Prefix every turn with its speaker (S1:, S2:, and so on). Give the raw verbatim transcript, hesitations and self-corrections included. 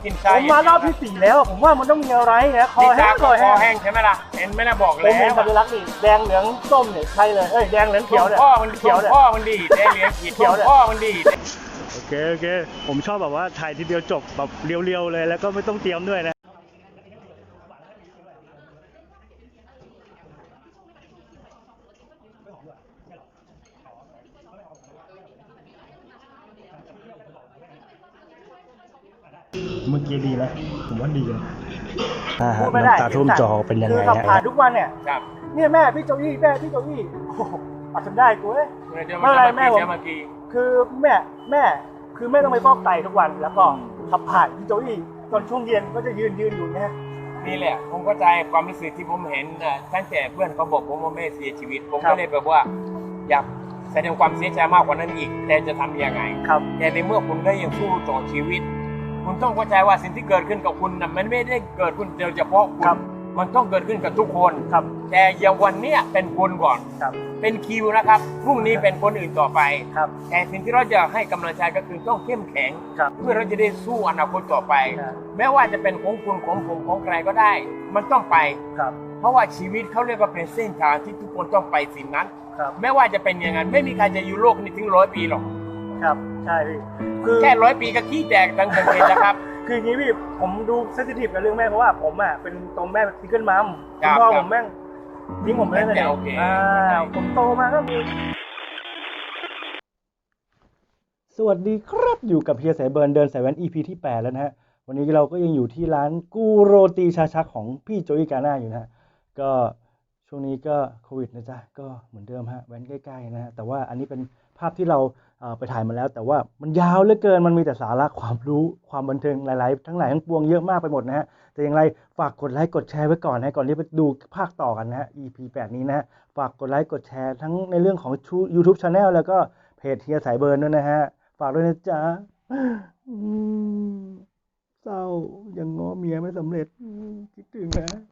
S1: กิน
S2: ผ
S1: ชาม
S2: มารอบที่สี่แล้วผมว่ามันต้องมีอะไรนะคอแห้ง
S1: ค
S2: ค
S1: อ
S2: อแห้ง
S1: แห้งใช่ไหมล่ะเห็นไหมนะบอก
S2: ผ
S1: แล้
S2: มเห็น
S1: ว
S2: สัญลักษณ์นี่แดงเหลืองส้มเนี่ยใช่เลยเอ้ยแดงเหลืองเขียวเนี่ย
S1: พ่อมัน
S2: เขียวเนี่ย
S1: พ่อมันดีแดงเหลืองเขี
S2: เขี
S1: ย
S2: ยว วเนี่ย
S1: พ่อมันดี
S3: โอเคโอเคผมชอบแบบว่าถ่ายทีเดียวจบแบบเรียวๆเลยแล้วก็ไม่ต้องเตรียมด้วยนะเมื่อกี้ดีแล้วผมว่าดีนะอ่าฮะ
S2: พูดไม่ได้
S3: น้ำตาท่วมจอเป็นยัง
S2: คื
S3: ไง
S2: อขับ
S3: ฮะ
S2: ผ่านทุกวันเนี่ย
S1: ครับ
S2: เนี่ยแม่พี่โจอี้แม่พี่โจอี้โอ้โหเอาจนได้กูเอ้ย
S1: เดี๋ยว
S2: ไม่เป็นไรแม่ผม
S1: เดี๋ยวเมื่อกี้
S2: คือแม่แม่คือแม่ต้องไปฟอกไตทุกวันแล้วก็ขับผ่านพี่โจอี้ตอนช่วงเย็นก็จะยืนยืนอยู่เนี่ย
S1: นี่แหละผมเข้าใจความรู้สึกที่ผมเห็นน่ะตั้งแต่เพื่อนเขาบอกผมว่าแม่เสียชีวิต ผม
S2: ครั
S1: ก็
S2: บ
S1: เลยแบบว่า อยากแสดงความเสียใจมากกว่านั้นอีก แต่จะทำยังไง
S2: ครับ
S1: แต่ในเมื่อคุณได้ยังสู้ต่อชีวิต คุณต้องเข้าใจว่าสิ่งที่เกิดขึ้นกับคุณน่ะมันไม่ได้เกิดขึ้นเดียวเฉพาะคุ
S2: ครั
S1: ณ
S2: บ
S1: มันต้องเกิดขึ้นกับทุกคน
S2: ครับ
S1: แต่อย่างวันเนี้ยเป็นคุณก่อน
S2: ครับ
S1: เป็นคิวนะครับพรุ่งนี้เป็นคนอื่นต่อไป
S2: ครับ
S1: แต่สิ่งที่เราจะให้กำลังใจก็คือต้องเข้มแข็ง
S2: ครับ
S1: เพื่อเราจะได้สู้อนาคตต่อไป
S2: ครับ
S1: แม้ว่าจะเป็นของคุณของผมของใครก็ได้ มันต้องไป
S2: ครับ
S1: เพราะว่าชีวิตเขาเรียกว่าเป็นเส้นทางที่ทุกคนต้องไปสิ่งนั้น
S2: ครับ
S1: ไม่ว่าจะเป็นยังไงไม่มีใครจะอยู่โลกนี้ถึงร้อยปีหรอก
S2: ครับใช่พี่คือ
S1: แค่ร้อยปีก็ขี้แตกทั้งประเทศแล้วครับ
S2: คืออย่างนี้พี่ผมดูเซนซิทีฟกับเรื่องแม่เพราะว่าผมอ่ะเป็นตัวแม่เป็นซิงเกิลมัม
S1: ครั
S2: คุณ
S1: บ
S2: พ่อ
S1: ค
S2: ผ
S1: รับ
S2: มแม่งทิ้งผมไปเลย
S1: โอเค
S2: อ่าผมโตมาก็มี
S3: สวัสดีครับอยู่กับเฮียสายเบิร์นเดินสายแว้น อี พี ที่แปดแล้วนะฮะวันนี้เราก็ยังอยู่ที่ร้านกูโรตีชาชักของพี่โจอี้กาน่าอยู่นะฮะก็ช่วงนี้ก็โควิดนะจ๊ะก็เหมือนเดิมฮะแว้นใกล้ๆนะฮะแต่ว่าอันนี้เป็นภาพที่เราเอ่อไปถ่ายมาแล้ว แต่ว่ามันยาวเหลือเกินมันมีแต่สาระความรู้ความบันเทิงหลายๆทั้งหลายทั้งปวงเยอะมากไปหมดนะฮะแต่อย่างไรฝากกดไลค์กดแชร์ไว้ก่อนนะก่อนที่ไปดูภาคต่อกันนะฮะ อี พี แปดนี้นะฮะฝากกดไลค์กดแชร์ทั้งในเรื่องของ YouTube Channel แล้วก็เพจเฮียสายเบิร์นด้วยนะฮะฝากด้วยนะจ๊ะอืมเศร้ายังง้อเมียไม่สำเร็จอืมคิดถึงนะ